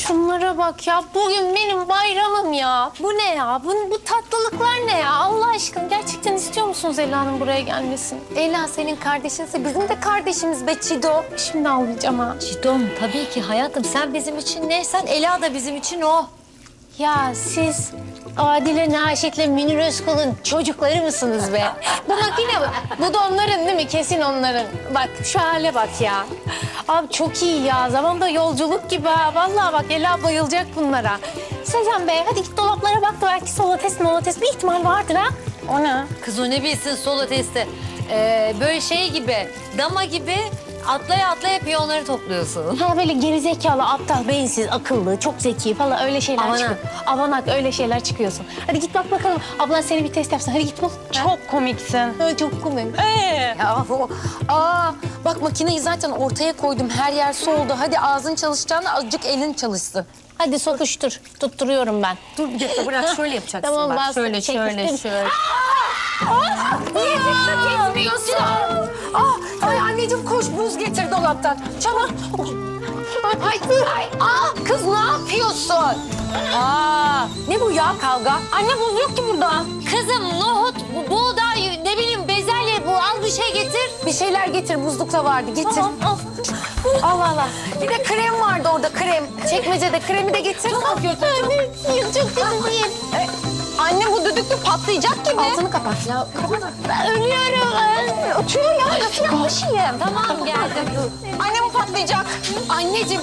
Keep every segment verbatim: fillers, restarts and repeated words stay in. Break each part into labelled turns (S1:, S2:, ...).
S1: Şunlara bak ya. Bugün benim bayramım ya. Bu ne ya? Bu, bu tatlılıklar ne ya? Allah aşkına gerçekten istiyor musunuz Ela'nın buraya gelmesini? Ela senin kardeşinse bizim de kardeşimiz be Çido. Şimdi ağlayacağım ha.
S2: Çiğdem tabii ki hayatım sen bizim için ne? Sen Ela da bizim için o.
S1: Ya siz Adile Naşit'le Münir Özkul'un çocukları mısınız be? Bu makine mi? Bu da onların değil mi? Kesin onların. Bak şu hale bak ya. Abi çok iyi ya. Zamanda yolculuk gibi ha. Vallahi bak Ela bayılacak bunlara. Sezen Bey hadi git dolaplara bak da belki solates molates bir ihtimal vardır ha. O ne?
S2: Kız o ne bilsin solo testi. Ee, böyle şey gibi, dama gibi atlaya atlaya piyonları topluyorsun.
S1: Ha böyle gerizekalı, aptal, beyinsiz, akıllı, çok zeki falan öyle şeyler
S2: Avanak.
S1: çıkıyor. Avanak öyle şeyler çıkıyorsun. Hadi git bak bakalım. Ablan seni bir test yapsın. Hadi git bul.
S3: Çok komiksin.
S1: Ha, çok komik.
S4: Ya o, aa bak makineyi zaten ortaya koydum. Her yer soğudu. Hadi ağzın çalışacağına azıcık elin çalışsın.
S1: Hadi sokuştur. Tutturuyorum ben.
S4: Dur bir dakika bırak şöyle yapacaksın
S1: Tamam,
S4: bak.
S1: bas.
S4: Şöyle
S1: Çek,
S4: şöyle
S1: çek.
S4: şöyle.
S1: Niye dikkat etmiyorsun?
S4: Aa, ay anneciğim koş buz getir dolaptan. Çabuk. Ay, ay, aa, kız ne yapıyorsun? Aa, ne bu ya kavga? Anne buz yok ki burada.
S2: Kızım nohut, bu- buğday, ne bileyim bezelye bu al bir şey getir.
S4: Bir şeyler getir buzlukta vardı getir.
S1: Al.
S4: Allah Allah. Bir de krem vardı orada krem. Çekmecede kremi de getir. Çok kötü.
S1: Çok kötü değil.
S4: Anne bu düdüklü patlayacak gibi.
S1: Altını kapat ya. Ben ölüyorum.
S4: Uçuyor ya. Nasıl yapmışım?
S2: Tamam geldim.
S4: Anne bu patlayacak. Anneciğim.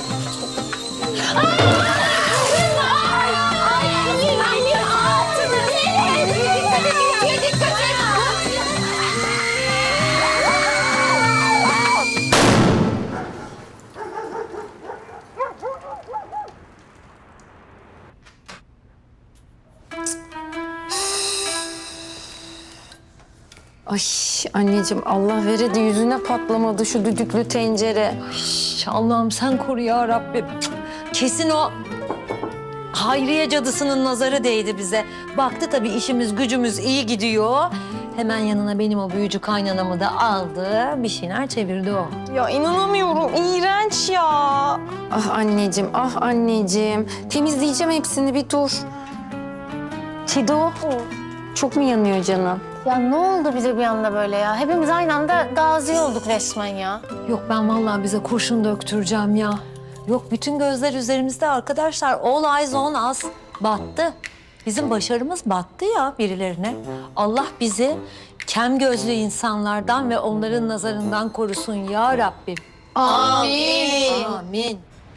S4: Ay anneciğim Allah veredi yüzüne patlamadı şu düdüklü tencere.
S2: Şş, Allah'ım sen koru ya Rabbim. Kesin o Hayriye cadısının nazarı değdi bize. Baktı tabii işimiz gücümüz iyi gidiyor. Hemen yanına benim o büyücü kaynanamı da aldı. Bir şeyler çevirdi o.
S3: Ya inanamıyorum. İğrenç ya.
S4: Ah anneciğim ah anneciğim. Temizleyeceğim hepsini bir dur. Çido çok mu yanıyor canım?
S1: Ya ne oldu bize bir anda böyle ya? Hepimiz aynı anda gazi olduk resmen ya.
S2: Yok ben vallahi bize kurşun döktüreceğim ya. Yok bütün gözler üzerimizde arkadaşlar. All eyes on us. Battı. Bizim başarımız battı ya birilerine. Allah bizi kem gözlü insanlardan ve onların nazarından korusun ya Rabbim.
S1: Amin.
S2: Amin.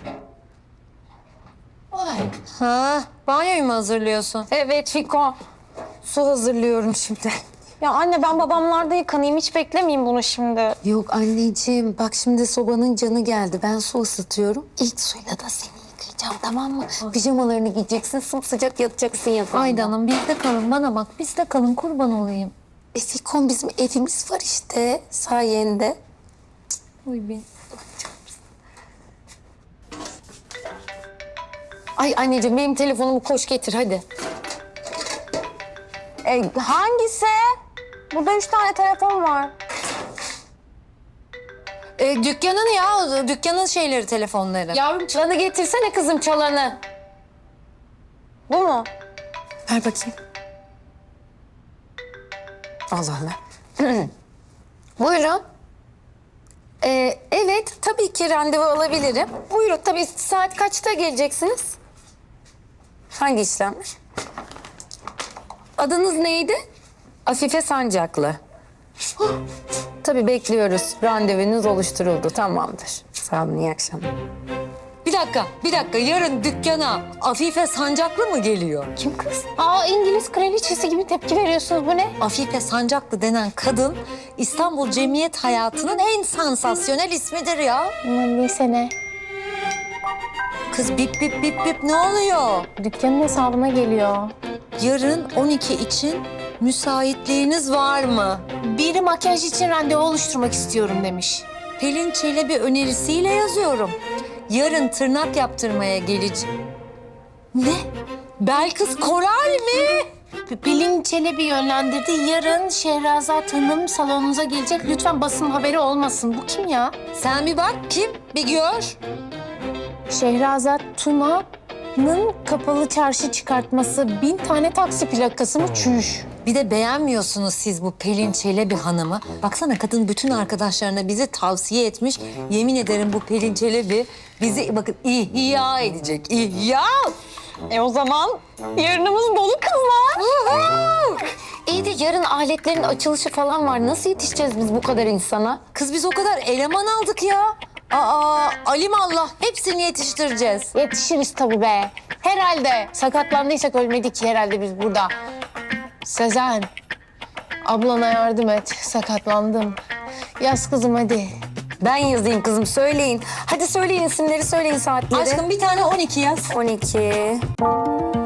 S2: Ha, banyoyu mu hazırlıyorsun?
S4: Evet Fiko. Su hazırlıyorum şimdi.
S3: Ya anne ben babamlarda yıkanayım. Hiç beklemeyeyim bunu şimdi.
S4: Yok anneciğim bak şimdi sobanın canı geldi. Ben su ısıtıyorum. İlk suyla da seni yıkayacağım tamam mı? Pijamalarını giyeceksin sımsıcak yatacaksın yatağında.
S2: Ayda Hanım bizde kalın bana bak bizde kalın kurban olayım.
S4: E Fikon bizim evimiz var işte sayende.
S2: Uy be.
S4: Ay anneciğim benim telefonumu koş getir hadi.
S3: E, hangisi? Burada üç tane telefon var.
S2: E, dükkanın ya dükkanın şeyleri telefonları.
S4: Yavrum çalanı getirsene kızım çalanı.
S3: Bu mu?
S4: Ver bakayım. Allah Allah. Buyurun. Ee, evet, tabii ki randevu alabilirim. Buyurun, tabii saat kaçta geleceksiniz? Hangi işlemler? Adınız neydi? Afife Sancaklı. Huh, tabii bekliyoruz. Randevunuz oluşturuldu, tamamdır. Sağ olun, iyi akşamlar.
S2: Bir dakika, bir dakika. Yarın dükkana Afife Sancaklı mı geliyor?
S4: Kim kız?
S1: Aa İngiliz kraliçesi gibi tepki veriyorsunuz. Bu ne?
S2: Afife Sancaklı denen kadın İstanbul cemiyet hayatının en sansasyonel ismidir ya.
S1: Aman neyse ne.
S2: Kız bip bip bip bip ne oluyor?
S1: Dükkanın hesabına geliyor.
S2: Yarın on iki için müsaitliğiniz var mı?
S1: Biri makyaj için randevu oluşturmak istiyorum demiş.
S2: Pelin Çelebi önerisiyle yazıyorum. Yarın tırnak yaptırmaya geleceğim. Ne? Belkıs Koral mi?
S1: Pelin Çelebi yönlendirdi. Yarın Şehrazat Hanım salonunuza gelecek. Lütfen basın haberi olmasın. Bu kim ya?
S2: Sen bir bak kim? Bir gör.
S1: Şehrazat Tuna Nın kapalı çarşı çıkartması bin tane taksi plakası mı çüş?
S2: Bir de beğenmiyorsunuz siz bu Pelin Çelebi hanımı. Baksana kadın bütün arkadaşlarına bizi tavsiye etmiş. Yemin ederim bu Pelin Çelebi bizi bakın ihya edecek. İhya!
S3: E o zaman yarınımız dolu kızlar.
S4: İyi de yarın aletlerin açılışı falan var. Nasıl yetişeceğiz biz bu kadar insana?
S2: Kız biz o kadar eleman aldık ya. Aa, alimallah hepsini yetiştireceğiz.
S1: Yetişiriz tabii be. Herhalde. Sakatlandıysak ölmedik ki herhalde biz burada. Sezen, ablana yardım et. Sakatlandım. Yaz kızım hadi.
S3: Ben yazayım kızım, söyleyin. Hadi söyleyin isimleri, söyleyin saatleri.
S2: Aşkım bir tane on iki yaz.
S3: on iki.